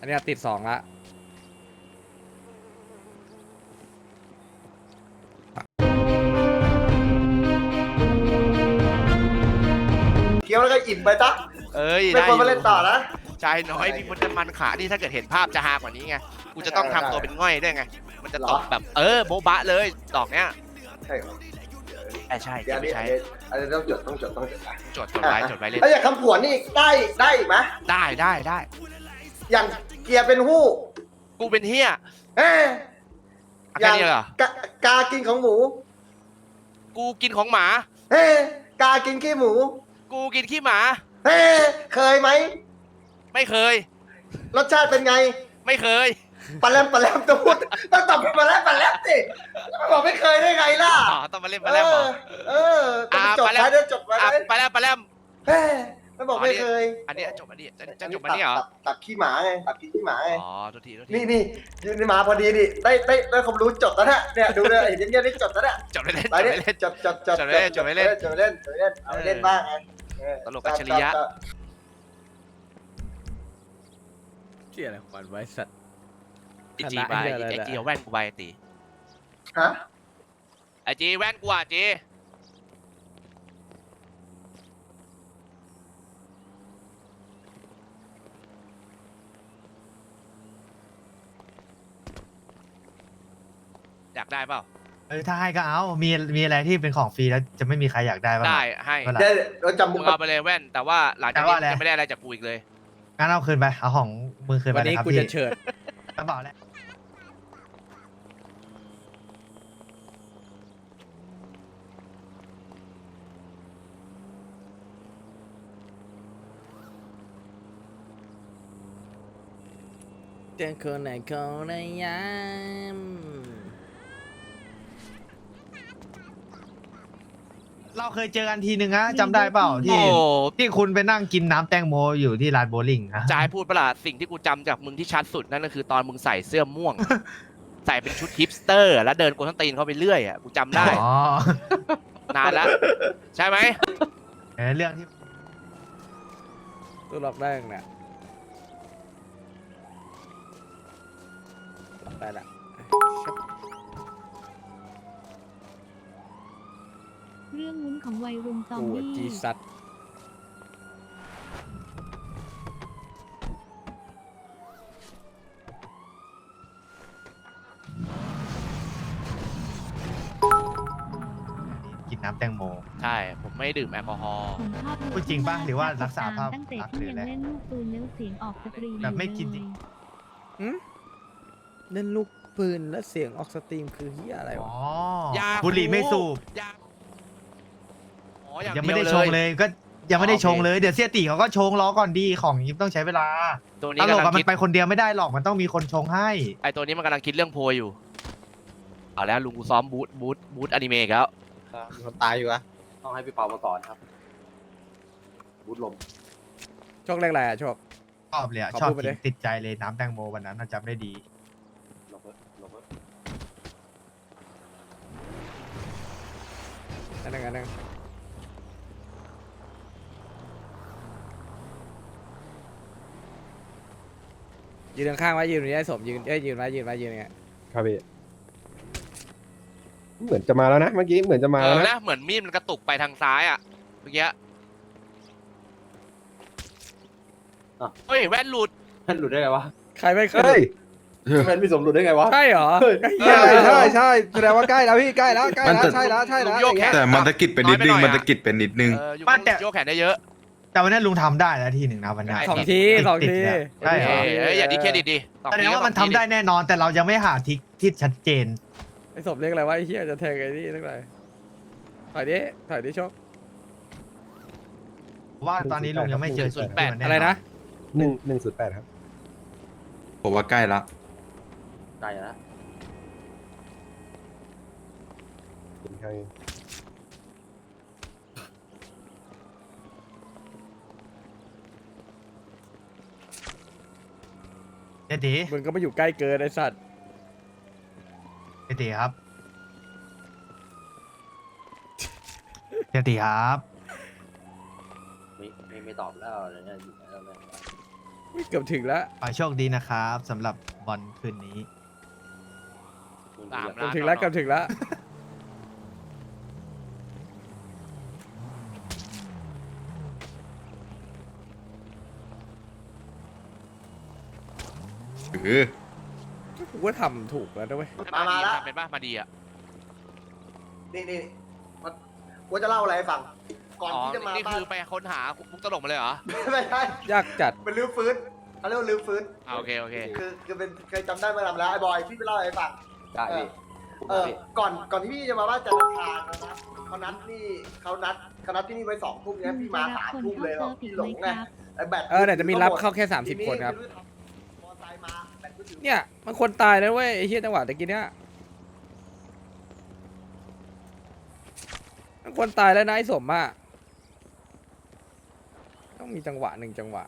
อันนี้ติด2ละเคี้ยวแล้วก็อิ่มไปซะเอ้ยไม่ควรมาเล่นต่อนะชายน้อยมีคนจะมันขานี่ถ้าเกิดเห็นภาพจะฮากว่านี้ไงกูจะต้องทำตัวเป็นง่อยด้วยไงมันจะตบแบบโบ๊ะบะเลยดอกเนี้ยใช่เหรอใช่เดี๋ยวไม่ใช่อันนี้ต้องจดไปจดไว้เลยถ้าอยากคำผวนนี่ได้อีกไหมได้อย่างเกียร์เป็นหู้กูเป็นเฮียเอ้ยแค่นี้เหรอกากินของหมูกูกินของหมาเฮ้กากินขี้หมูกูกินขี้หมาเฮ้เคยไหมไม่เคยรสชาติเป็นไงไม่เคยปลาแรมต้องพูดต้องตอบเป็นปลาแรมสิบอกไม่เคยได้ไงล่ะอ๋อต้องมาเล่นมาแล้วเหรอต้องจดไว้ด้วยจดไว้ไปแล้วเฮ้ไม่บอกไม่เคยอันนี้จบอันนี้จะจบอันนี้เหรอตับขี้หมาไงตับขี้หมาไงอ๋อโทษทีนี่ยืนมาพอดีนี่ได้ความรู้จดแล้วเนี่ยดูเลยเห็นเงี้ยนี่จดแล้วเนี่ยจบไม่เล่นไปเนี่ยจดไม่เล่นเอาเล่นบ้างไงตลกอัจฉริยะเชี่ยอะไรของมันไว้สัตว์ไอจีไปไอจีเอาแว่นกูไปตีฮะไอจีแว่นกูอ่ะจีอยากได้เปล่าถ้าให้ก็เอา มีอะไรที่เป็นของฟรีแล้วจะไม่มีใครอยากได้บ้างได้ให้ได้เราจำมึมุงกเอาไปเลยแว่น แต่ว่าหลังจากนี้จะไม่ได้อะไรจากกูอีกเลยงั้นเอาคืนไป เอาของมือคืนไปวันเลยนี้ครับกูพี่จะเฉิดกระเป๋าแหละเจอคนไหนเขาในยามเราเคยเจอกันทีนึงนะจำได้เปล่าโอ้ที่คุณไปนั่งกินน้ำแตงโมอยู่ที่ร้านโบว์ลิ่งนะจายพูดปะล่ะสิ่งที่กูจำจากมึงที่ชัดสุดนั่นก็คือตอนมึงใส่เสื้อม่วง ใส่เป็นชุดฮิปสเตอร์ แล้วเดินกวนส้นตีนเขาไปเรื่อยอ่ะกูจำได้อ๋อนานแล้ว ใช่ไหมเรื่องที่ตัวล็อกได้ยังเนี่ยล็อกได้ละเรื่องวุ้นของวัยรุ่นซอมกูบี้จีซัดกินน้ำแตงโมใช่ ผมไม่ดื่มแอลกอฮอล์ผมชอบพูดจริงปะหรือว่ารักษาภาพตั้งแต่ลักษณ์ที่หรือยังอะไรเล่นลูกปืนแล้วเสียงออกสตรีมแบบไม่กินจริงเล่นลูกปืนแล้วเสียงออกสตรีมคือเฮียอะไรอ๋วะอบุหรี่ไม่สูบยาอ๋ออย่างยังเดีไม่ยวได้เลชงยเลยก็ยังไม่ได้โอเคชงเลยเดี๋ยวเสียตีเขาก็ชงล้อก่อนดีของยิบต้องใช้เวลาตัวตนี้ลกกำลัอะงมัคิดนไปคนเดียวไม่ได้หรอกมันต้องมีคนชงให้ไอตัวนี้มันกำลังคิดเรื่องโพยอยู่เอาแล้วลุงกูซ้อมบูธอนิเมะอีกแล้วมีคนตายอยู่อะต้องให้พี่เปามาก่อนครับบูทลมโชคเลขอะไรอะโชคชอบเลยอะขอชอบพูดไปกิดินติดใจเลยน้ำแตงโมวันนั้นน่ะจำได้ดีลงเพิ่มลงเพิ่มอันนึงยืนข้างๆไว้ยืนอย่างนี้ให้สมยืนยืนไว้อย่างเงี้ยครับพี่เหมือนจะมาแล้วนะเมื่อกี้เหมือนจะมาแล้วนะนะเหมือนมีดมันกระตุกไปทางซ้ายอ่ะเมื่อกี้เฮ้ยแว่นหลุดมันหลุดได้ไงวะใครไม่เคเฮ้ยยมันพี่สมหลุดได้ไงวะใช่เหรอใช่แสดงว่าใกล้แล้วพี่ใกล้แล้วใช่แล้วลุงโยกแขนแต่มันตะกิดเป็นนิดนึง มันตะกิดเป็นนิดนึงอยู่บ้านแต่โยกแขนได้เยอะแต่วันนั้นลุงทำได้แล้วทีหนึ่งนะวันนี้ได้สองทีสองทีใช่เหรอเอ้ยอย่าดีเครดิตดิแสดงว่ามันทำได้แน่นอนแต่เรายังไม่หาทิศที่ชัดเจนไอ้สมเลขอะไรวะไอ้เฮียจะแทงไอ้นี่ตั้งไหนถอยดิโชคว่าตอนนี้ลุงยังไม่เจอจุดที่มันแน่นนอะไรนะ 108ครับผมว่าใกล้ละตายแล้วเป็นใครเจตีมึงก็ไม่อยู่ใกล้เกินไอ้สัตว์เจตีครับเจตีครับไม่ตอบแล้วอะไรเนี่ยอยู่ไหนแล้วเนี่ยอุ๊ยเกือบถึงแล้วขอให้โชคดีนะครับสำหรับบอลคืนนี้เกือบถึงแล้วเกือบถึงแล้วเออกูว่าทำถูกแล้วนะเว้ยมาแล้วทำเป็นป่ะมาดีอ่ะนี่กูจะเล่าอะไรให้ฟัง ก่อนอ๋อที่จะมานี่บ้าคืนอไปค้นหามุกตลกมาเลยเหรอไม่ใช่ยากจัดเป็นลื้อฟื้นเขาเรียกว่าลื้อฟื้นโอเคโอเคคือเป็นเคยจำได้เมื่อนานแล้วไอ้บอยที่ไปเล่าให้ฟังได้พี่ก่อนที่พี่จะมาบ้านจันทร์อังคารนะครับเขานัดที่นี่ไว้2 ทุ่มลุเนี่ยงพี่จะมารับ 3 คนทุ่มเข้าเลยเซิร์ฟอีพี่กหลไหมงคไงรับไอ้แบตเดี๋ยวจะมีรับเข้าแค่30 คนครับมอไซค์มาแบตมือถือเนี่ยมันคนตายนะเว้ยไอ้เหี้ยจังหวะตะกี้เนี้ยมันคนตายแล้วนะไอ้สมอ่ะต้องมีจังหวะหนึ่งจังหวะ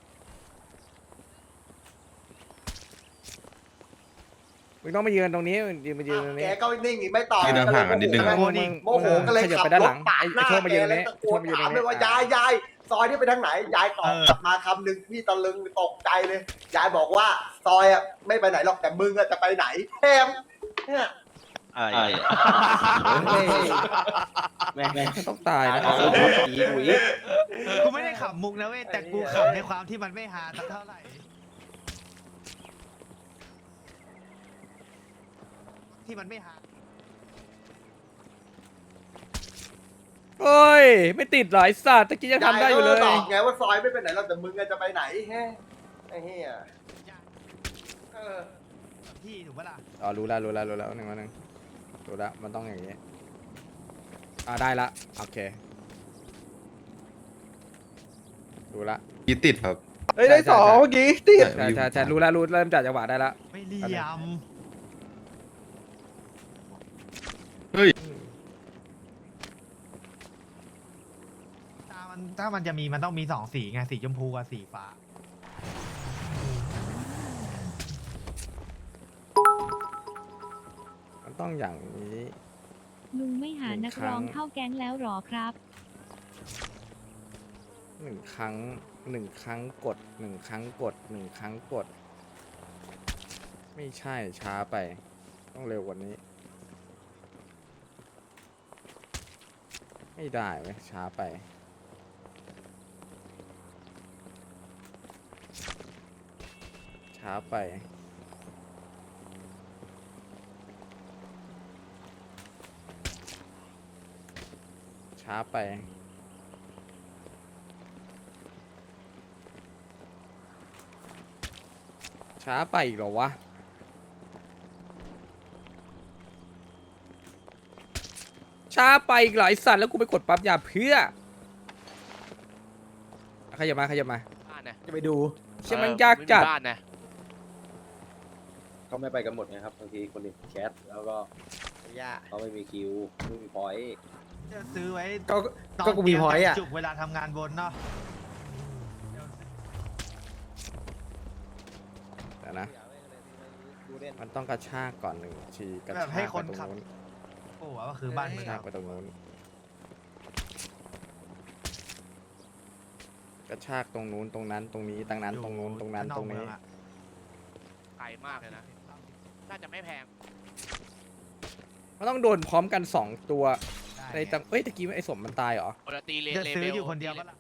มึงต้องมายืนตรงนี้มายืนตรงแกนี้ก็นิ่งอีกไม่ตอบยืนห่างๆกันนิดนึงมึโมโหก็เลยขยับขับไปด้านรหลัถงปาดไอ้หน้าโชคมาแกยืนตรงแล้วนี้ตะโกโชนคมายืนตถารมงเลนี้ยว่ายายซอยนี่ไปทางไหนยายตอบกลับมาคำหนึ่งพี่ตะลึงตกใจเลยยายบอกว่าซอยอ่ะไม่ไปไหนหรอกแต่มึงอ่ะจะไปไหนแทมเนี่ยแม่งต้องตายนะกูไม่ได้ขำมุกนะเว้ยแต่กูขำในความที่มันไม่ฮาสักเท่าไหร่ที่มันไม่ฮาเฮ้ยไม่ติดเหรอไอ้สัตว์ตะกี้ยังทำได้อยู่เลยตอบไงว่าซอยไม่ไปไหนหรอกแต่มึงอ่ะจะไปไหนแฮะไอ้เหี้ยเออพี่ถูกปะล่ะอ๋อรู้แล้วหนึ่งรู้แล้วมันต้องอย่างนี้ได้ละโอเครู้ละยี่ติดครับเฮ้ยได้ใช่ 2เมื่อกี้ติดใช่รู้แล้วเริ่มจัดจังหวะได้ละไม่เหลี่ยมเฮ้ยถ้ามันจะมีมันต้องมี2 สีไงสีชมพูกับสีฟ้ามันต้องอย่างนี้ลุงไม่หานักร้องเข้าแก๊งแล้วหรอครับ 1 ครั้งกด1 ครั้งกด1 ครั้งกด ไม่ใช่ช้าไป ต้องเร็วกว่านี้ ไม่ได้เว้ยช้าไป ช้าไป ช้าไป ช้าไปอีกเหรอวะ ช้าไปอีกเหรอไอสัตว์แล้วกูไปกดปั๊บยาเพื่อขยับมาบ้านนะจะไปดูเชื่อมันยากจัดไม่มีบ้านนะเขาไม่ไปกันหมดไงครับบางทีคนอื่นแชทแล้วก็เขาไม่มีคิวไม่มีพอยต์จะซื้อไว้ก็ตอนก็กูมีพอยต์อ่ะจุกเวลาทำงานบนเนาะเดี๋ยวนะ มันต้องกระชากก่อน1 ทีกระแบบชากให้ไปคนตรงขับนู้นโอ้ว่าคือบ้านกมึระงชาอะกไปตรงนู้นกระชากตรงนู้นตรงนั้นตรงนี้ตรงนั้นตรงนู้นตรงนั้นตรงนี้ไกลมากเลยนะ น่าจะไม่แพงมันต้องโดนพร้อมกัน2 ตัวในได้ตังเอ้ยตะกี้ไอ้สมมันตายเหรอปกติเลจะเลซื้อเบลอยู่คนเดียวปะล่ะ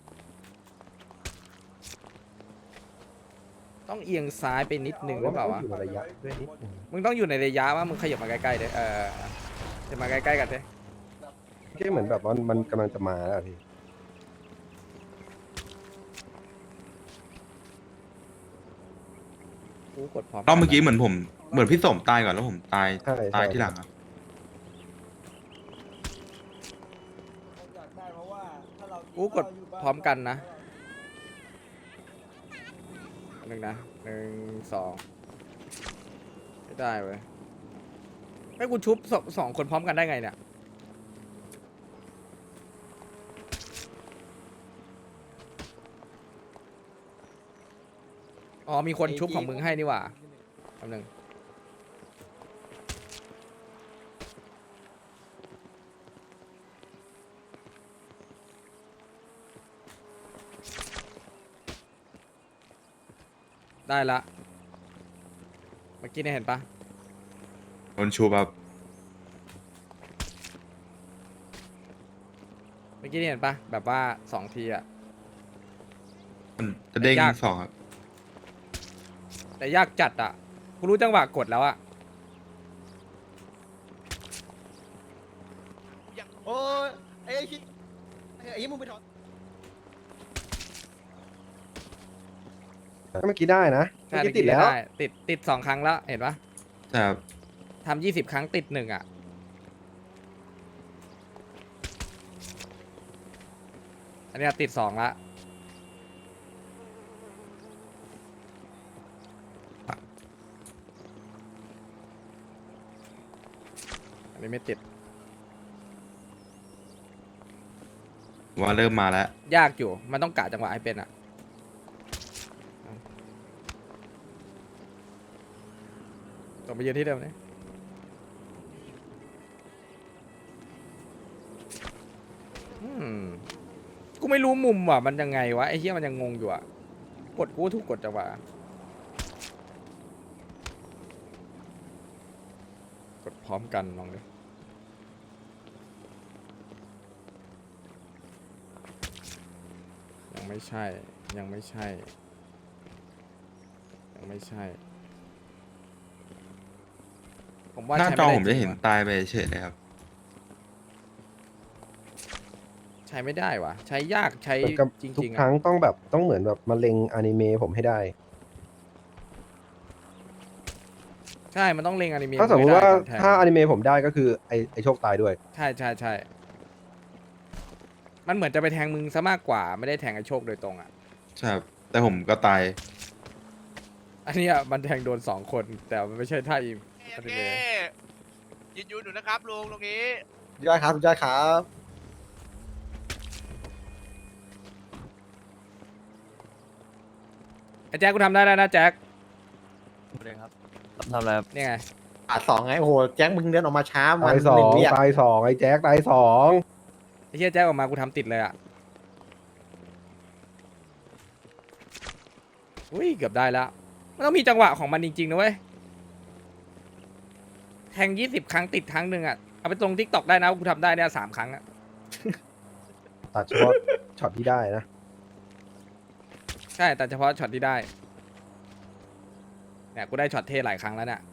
ต้องเอียงซ้ายไปนิดนึงหรือเปล่าวะมึงต้องอยู่ในระยะว่ามึงขยับมาใกล้ๆเด้จะมาใกล้ๆกันเด้ก็เหมือนแบบว่ามันกำลังจะมาแล้วอะพี่กูกดพร้อมรอบเมื่อกี้เหมือนพี่สมตายก่อนแล้วผมตายใช่ตายใช่ที่หลังครับกูกดพร้อมกันนะหนึ่งนะ1 2ไม่ได้เว้ยให้กูชุบ2 คนพร้อมกันได้ไงเนี่ยอ๋อมีคนชุบของมึงให้นี่หว่าแป๊บนึงได้ละเมื่อกี้เนี่ยเห็นปะโดนชูแบบเมื่อกี้เนี่ยเห็นปะแบบว่า2 ทีอะมันจะเด้งยากสองครับแต่ยากจัดอะกูรู้จังหวะกดแล้วอะโอ้ยไอ้คิดไอ้มึงไปถอนเมื่อกี้ได้นะเมื่ใช่อกี้ติดแล้วได้ติด2 ครั้งแล้วเห็นปะใช่ครับทำ20 ครั้งติด1อะอันเนี้ยติด2ละอันนี้ไม่ติดว่าเริ่มมาแล้วยากอยู่มันต้องกะจังหวะให้เป็นอะกลับไปยืนที่เดิมเลยกูไม่รู้มุมว่ะมันยังไงวะไอ้เหี้ยมันยังงงอยู่อะกดกูถูกกดจังหวะกดพร้อมกันลองดิยังไม่ใช่ยังไม่ใช่ยังไม่ใช่ผมว่าหน้าใช้จอไม่ได้ผมจะเห็นจริงว่ตายไปเฉยเลยครับใช้ไม่ได้วะใช้ยากใช้เหมือนกับจทุกริงๆครั้อะงต้องเหมือนแบบมาเล็งอนิเมะผมให้ได้ใช่มันต้องเล็งอนิเมะถ้าสมมติว่าไได้ก่อนแทงถ้าอนิเมะผมได้ก็คือไอโชคตายด้วยใช่ใช่ใช่มันเหมือนจะไปแทงมึงซะมากกว่าไม่ได้แทงไอ้โชคโดยตรงอ่ะใช่ครับแต่ผมก็ตายอันเนี้ยมันแทงโดน2 คนแต่มันไม่ใช่ท่าอีโอเคยืนอยู่นะครับลุงตรงนี้ยอดครับยอดครับไอ้แจ็คกูทำได้แล้วนะแจ็คทำอะไรครับนี่ไง 2ไงโอ้โหแจ็คมึงเดินออกมาช้ามัตายนสอหนึ่งงวิอ่ะตายสองไอ้แจ็คตายสองไอ้เหี้ยแจ็คออกมากูทำติดเลยอ่ะอุ้ยเกือบได้แล้วมันต้องมีจังหวะของมันจริงๆนะเว้ยแทง20 ครั้งติดครั้งหนึ่งอ่ะเอาไปตรงทิกตอกได้นะกูทำได้เนี่ย3 ครั้งอ่ะตัดเฉพาะช็อตที่ได้นะใช่แต่เฉพาะช็อตที่ได้เนี่ยกูได้ช็อตเท่หลายครั้งแล้วเนี่ย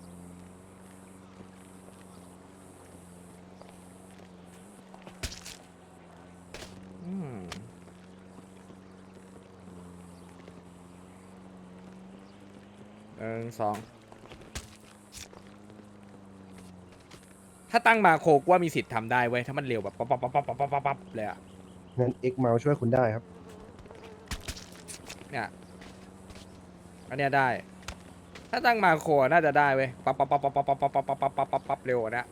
อืม1 2ถ้าตั้งมาโคกว่ามีสิทธิ์ทำได้เว้ยถ้ามันเร็วแบบปั๊บปั๊บปั๊บปั๊บปั๊บปั๊บปั๊บเลยอะงั้น X เมาช่วยคุณได้ครับเนี่ยอันเนี้ยได้ ถ้าตั้งมาโคน่าจะได้เว้ยปั๊บปั๊บปั๊บปั๊บปั๊บปั๊บปั๊บปั๊บปั๊บปั๊บปั๊บเร็วกว่านี้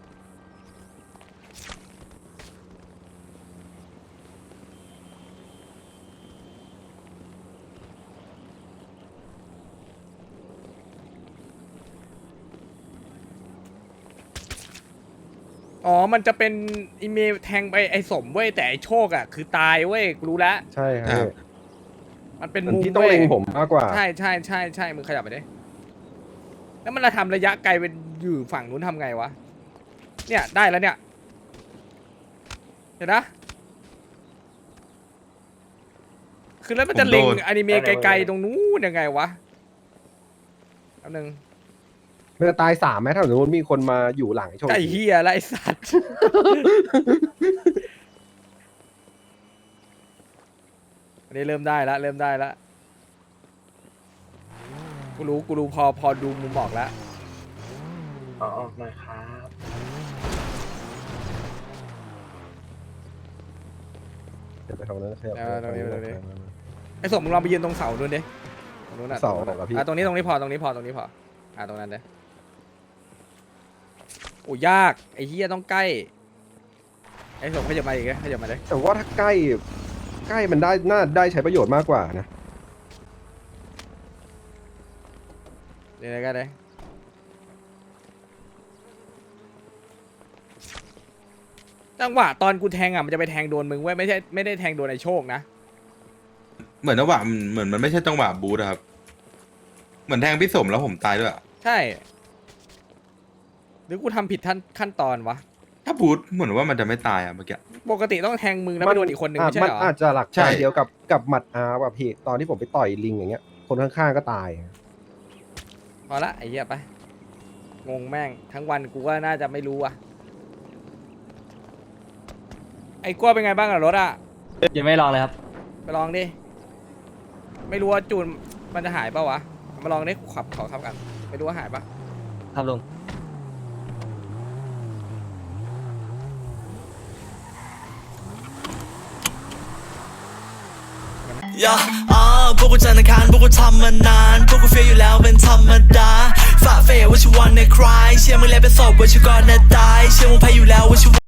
อ๋อ มันจะเป็นอีเมลแทงไปไอ้สมเว้ยแต่ไอ้โชคอะคือตายเว้ยกูรู้แล้วใช่คครัรับบมันเป็นมันมุมที่ต้องว้ยเล็งผมมากกว่าใช่ใช่ใช่ใช่มึงขยับไปดิแล้วมันจะทำระยะไกลเป็นอยู่ฝั่งนู้นทำไงวะ เนี่ยได้แล้วเนี่ย เห็นนะ คือแล้วมันจะเล็งผมโดนอนิเมะไกลๆตรงนู้นยังไงวะแป๊บนึงมันจะตาย3ไหมถ้าสมมติมีคนมาอยู่หลังไอ้โชคไก่เฮียแล้วไอ้สัตว์ อันนี้เริ่มได้แล้วเริ่มได้แล้วกูรู้พอดูมุมออกแล้วออกหน่อยครับเดี๋ยวไปทางนั้นขยับตรงนี้ไอ้สมมึงลองไปยืนตรงเสาดูดิตรงนู้นน่ะเสาตรงนู้นเหรอน่ะพี่ตรงนี้พอตรงนี้พอตรงนี้พอตรงนั้นเลยโอ้ยากไอ้เฮียต้องใกล้ไอ้สมขยับมาอีกขยับมาเลยแต่ว่าถ้าใกล้มันได้น่าได้ใช้ประโยชน์มากกว่านะนี่เลยก็ได้จังหวะตอนกูแทงอ่ะมันจะไปแทงโดนมึงเว้ยไม่ได้แทงโดนไอ้โชคนะเหมือนจังหวะเหมือนมันไม่ใช่จังหวะบูทอะครับมือนแทงพี่สมแล้วผมตายด้วยอะใช่ หรือกูทำผิดขั้นตอนวะถ้าพูดเหมือนว่ามันจะไม่ตายอะเมื่อกี้ปกติต้องแทงมึงแล้วไปโดนอีกคนนึงไม่ใช่มันเหรออาจจะหลักใช่การเดียวกับหมัดอาร์แบบพี่ตอนที่ผมไปต่อยลิงอย่างเงี้ย คนข้างๆก็ตายพอละไอ้เหี้ยไป งงแม่ง ทั้งวันกูก็น่าจะไม่รู้ว่ะ ไอ้กลัวเป็นไงบ้างอะรถอะยังไม่ลองเลยครับไปลองดิ ไม่รู้ว่าจูนมันจะหายเปล่าวะ มาลองดิขอขับกัน ไม่รู้ว่าหายปะครับลุงพวกกูจันทร์อังคารพวกกูทำมานานพวกกูเฟียอยู่แล้วเป็นธรรมดาฝ่าเฟยว่าชิวันในคลายเชื่อมึงแล้วเป็นศพว่าชิวก่อนนะตายเชื่อมึงแพ้อยู่แล้วว่าชิ